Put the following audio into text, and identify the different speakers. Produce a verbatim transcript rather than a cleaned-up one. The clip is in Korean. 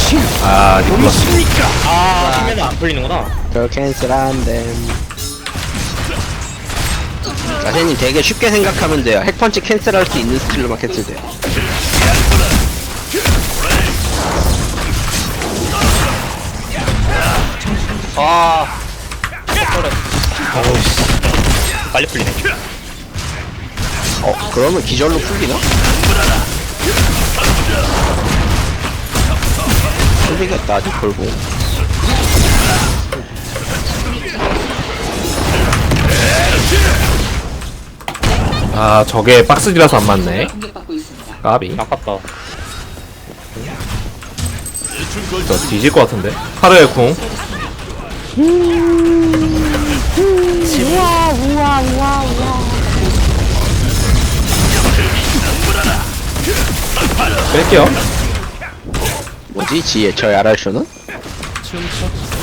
Speaker 1: 아 니콜라스.
Speaker 2: 아 핑맨은 안 풀리는구나.
Speaker 3: 저 캔슬 안됨. 자세님 되게 쉽게 생각하면 돼요. 핵펀치 캔슬할 수 있는 스킬로만 캔슬돼요.
Speaker 2: 아 그래.
Speaker 1: 어우씨.
Speaker 2: 빨리 풀리네.
Speaker 3: 어 그러면 기절로 풀리나? 풀리겠다 아직 걸고.
Speaker 1: 아 저게 박스지라서 안 맞네. 까비.
Speaker 2: 아깝다.
Speaker 1: 저 뒤질 것 같은데. 카르의 궁. 뺄게요.
Speaker 3: 뭐지 지혜 저의 아랄쇼는?